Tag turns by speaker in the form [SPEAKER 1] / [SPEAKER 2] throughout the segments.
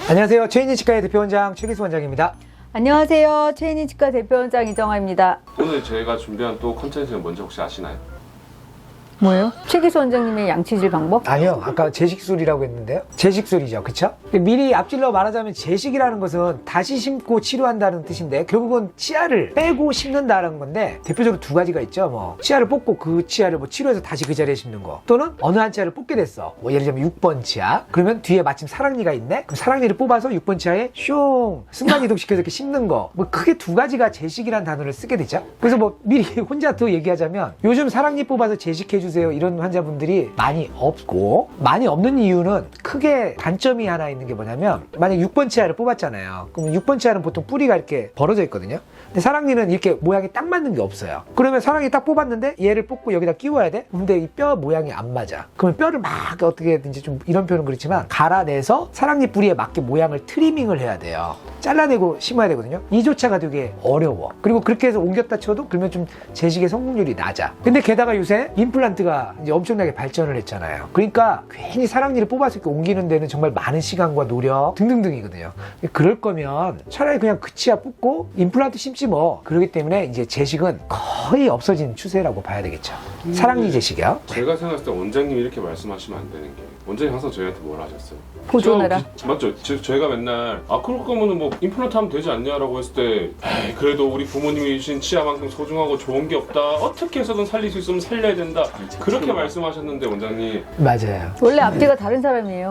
[SPEAKER 1] 안녕하세요. 최인희 치과의 대표원장 최기수 원장입니다.
[SPEAKER 2] 안녕하세요. 최인희 치과 대표원장 이정아입니다.
[SPEAKER 3] 오늘 저희가 준비한 또 컨텐츠는 뭔지 혹시 아시나요?
[SPEAKER 2] 뭐예요? 최기수 원장님의 양치질 방법?
[SPEAKER 1] 아니요. 아까 제식술이라고 했는데요. 제식술이죠. 그쵸? 미리 앞질러 말하자면 제식이라는 것은 다시 심고 치료한다는 뜻인데 결국은 치아를 빼고 심는다는 건데 대표적으로 두 가지가 있죠. 뭐 치아를 뽑고 그 치아를 뭐 치료해서 다시 그 자리에 심는 거, 또는 어느 한 치아를 뽑게 됐어. 뭐 예를 들면 6번 치아. 그러면 뒤에 마침 사랑니가 있네. 그럼 사랑니를 뽑아서 6번 치아에 슝 순간 이동시켜서 이렇게 심는 거. 뭐 크게 두 가지가 제식이라는 단어를 쓰게 되죠. 그래서 뭐 미리 혼자 더 얘기하자면 요즘 사랑니 뽑아서 제식해 주세요 이런 환자분들이 많이 없고, 많이 없는 이유는 크게 단점이 하나 있는 게 뭐냐면, 만약 6번 치아를 뽑았잖아요. 그러면 6번 치아는 보통 뿌리가 이렇게 벌어져 있거든요. 근데 사랑니는 이렇게 모양이 딱 맞는 게 없어요. 그러면 사랑니 딱 뽑았는데 얘를 뽑고 여기다 끼워야 돼? 근데 이 뼈 모양이 안 맞아. 그러면 뼈를 막 어떻게든지, 좀 이런 표현은 그렇지만 갈아내서 사랑니 뿌리에 맞게 모양을 트리밍을 해야 돼요. 잘라내고 심어야 되거든요. 이조차가 되게 어려워. 그리고 그렇게 해서 옮겼다 쳐도 그러면 좀 제식의 성공률이 낮아. 근데 게다가 요새 임플란트가 이제 엄청나게 발전을 했잖아요. 그러니까 괜히 사랑니를 뽑아서 이렇게 옮기는 데는 정말 많은 시간과 노력 등등등이거든요. 그럴 거면 차라리 그냥 그 치아 뽑고 임플란트 심지 뭐. 그렇기 때문에 이제 제식은 거의 없어진 추세라고 봐야 되겠죠. 사랑니 제식이요.
[SPEAKER 3] 제가 생각했을 때 원장님이 이렇게 말씀하시면 안 되는 게, 원장님 항상 저희한테 뭘 하셨어요?
[SPEAKER 2] 보존해라.
[SPEAKER 3] 맞죠? 저희가 맨날 그럴 거면은 뭐 임플란트 하면 되지 않냐라고 했을 때, 에이, 그래도 우리 부모님이 주신 치아만큼 소중하고 좋은 게 없다, 어떻게 해서든 살릴 수 있으면 살려야 된다, 그렇게 말씀하셨는데 원장님.
[SPEAKER 1] 맞아요.
[SPEAKER 2] 원래 앞뒤가 다른 사람이에요.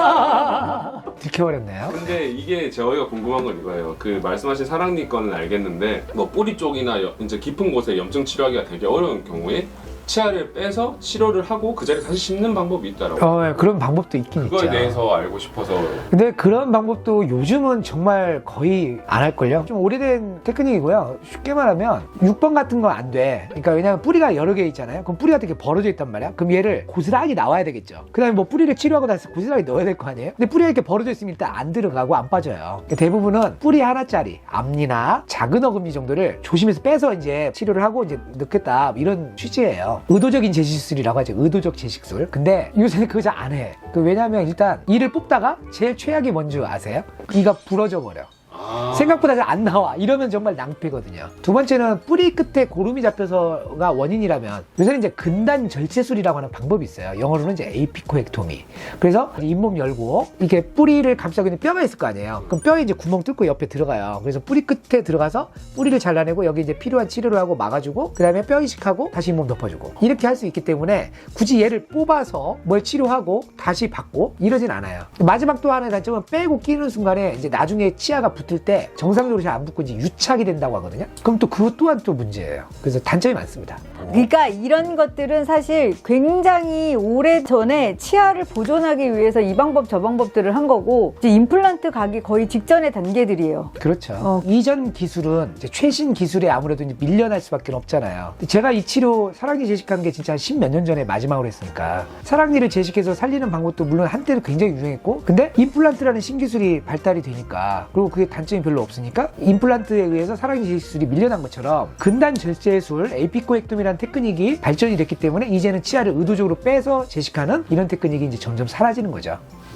[SPEAKER 1] 들켜버렸네요.
[SPEAKER 3] 근데 이게 저희가 궁금한 건 이거예요. 그 말씀하신 사랑니 건은 알겠는데, 뭐 뿌리 쪽이나 이제 깊은 곳에 염증 치료하기가 되게 어려운 경우에 치아를 빼서 치료를 하고 그 자리에 다시 심는 방법이 있다라고.
[SPEAKER 1] 예, 그런 방법도 있긴 있죠.
[SPEAKER 3] 그거에 대해서 알고 싶어서.
[SPEAKER 1] 근데 그런 방법도 요즘은 정말 거의 안 할걸요? 좀 오래된 테크닉이고요. 쉽게 말하면 6번 같은 건 안 돼. 그러니까 왜냐면 뿌리가 여러 개 있잖아요. 그럼 뿌리가 되게 벌어져 있단 말이야. 그럼 얘를 고스란히 나와야 되겠죠. 그 다음에 뭐 뿌리를 치료하고 나서 고스란히 넣어야 될 거 아니에요? 근데 뿌리가 이렇게 벌어져 있으면 일단 안 들어가고 안 빠져요. 대부분은 뿌리 하나짜리 앞니나 작은 어금니 정도를 조심해서 빼서 이제 치료를 하고 이제 넣겠다, 이런 취지예요. 의도적인 제식술이라고 하죠. 의도적 제식술. 근데 요새는 그거 잘 안 해. 왜냐하면 일단 이를 뽑다가 제일 최악이 뭔지 아세요? 이가 부러져 버려. 생각보다 잘 안 나와. 이러면 정말 낭패거든요. 두 번째는 뿌리 끝에 고름이 잡혀서가 원인이라면 요새는 이제 근단 절제술이라고 하는 방법이 있어요. 영어로는 이제 에이피코액토미. 그래서 잇몸 열고 이렇게 뿌리를 감싸고 있는 뼈가 있을 거 아니에요. 그럼 뼈에 이제 구멍 뚫고 옆에 들어가요. 그래서 뿌리 끝에 들어가서 뿌리를 잘라내고 여기 이제 필요한 치료를 하고 막아주고, 그 다음에 뼈 이식하고 다시 잇몸 덮어주고, 이렇게 할 수 있기 때문에 굳이 얘를 뽑아서 뭘 치료하고 다시 받고 이러진 않아요. 마지막 또 하나의 단점은 빼고 끼는 순간에 이제 나중에 치아가 붙을 때 정상적으로 잘 안 붙고 이제 유착이 된다고 하거든요. 그럼 또 그것 또한 또 문제예요. 그래서 단점이 많습니다.
[SPEAKER 2] 그러니까 이런 것들은 사실 굉장히 오래 전에 치아를 보존하기 위해서 이 방법 저 방법들을 한 거고, 이제 임플란트 가기 거의 직전의 단계들이에요.
[SPEAKER 1] 그렇죠. 이전 기술은 이제 최신 기술에 아무래도 이제 밀려날 수밖에 없잖아요. 제가 이 치료 사랑니 제식한 게 진짜 한 10몇 년 전에 마지막으로 했으니까, 사랑니를 제식해서 살리는 방법도 물론 한때는 굉장히 유행했고, 근데 임플란트라는 신기술이 발달이 되니까, 그리고 그게 단점이 별로 없으니까 임플란트에 의해서 사랑니 제식술이 밀려난 것처럼 근단 절제술, 에이피코액토미라는 테크닉이 발전이 됐기 때문에 이제는 치아를 의도적으로 빼서 제식하는 이런 테크닉이 이제 점점 사라지는 거죠.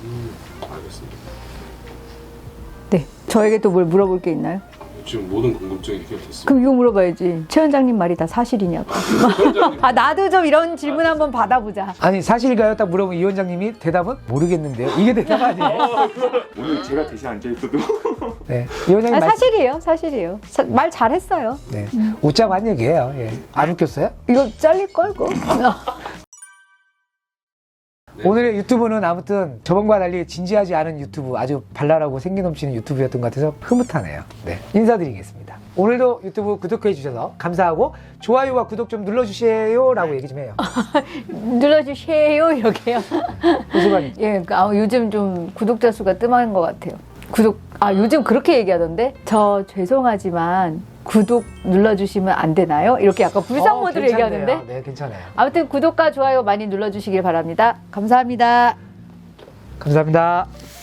[SPEAKER 3] 알겠습니다.
[SPEAKER 2] 네. 저에게 또 뭘 물어볼 게 있나요?
[SPEAKER 3] 지금 모든 궁금증이 해결됐습니다.
[SPEAKER 2] 그럼 이거 물어봐야지. 최 원장님 말이 다 사실이냐고. 나도 좀 이런 질문 한번 받아보자.
[SPEAKER 1] 아니, 사실인가요? 딱 물어보면 이 원장님이 대답은 모르겠는데요. 이게 대답 아니에요?
[SPEAKER 4] 오늘 제가 대신 앉아있어도
[SPEAKER 1] 네. 이 원장님
[SPEAKER 2] 사실이에요. 사실이에요. 말 잘했어요.
[SPEAKER 1] 네. 웃자고 한 얘기예요. 예. 안 웃겼어요?
[SPEAKER 2] 이거 잘릴걸? 그거?
[SPEAKER 3] 네.
[SPEAKER 1] 오늘의 유튜브는 아무튼 저번과 달리 진지하지 않은 유튜브, 아주 발랄하고 생기 넘치는 유튜브였던 것 같아서 흐뭇하네요. 네, 인사드리겠습니다. 오늘도 유튜브 구독해 주셔서 감사하고, 좋아요와 구독 좀 눌러주세요 라고 얘기 좀 해요.
[SPEAKER 2] 눌러주세요 이렇게요.
[SPEAKER 1] 호수관이.
[SPEAKER 2] 예, 요즘 좀 구독자 수가 뜸한 것 같아요. 요즘 그렇게 얘기하던데? 저 죄송하지만 구독 눌러주시면 안 되나요? 이렇게 약간 불상 모드로 얘기하는데?
[SPEAKER 1] 네, 괜찮아요.
[SPEAKER 2] 아무튼 구독과 좋아요 많이 눌러주시길 바랍니다. 감사합니다.
[SPEAKER 1] 감사합니다.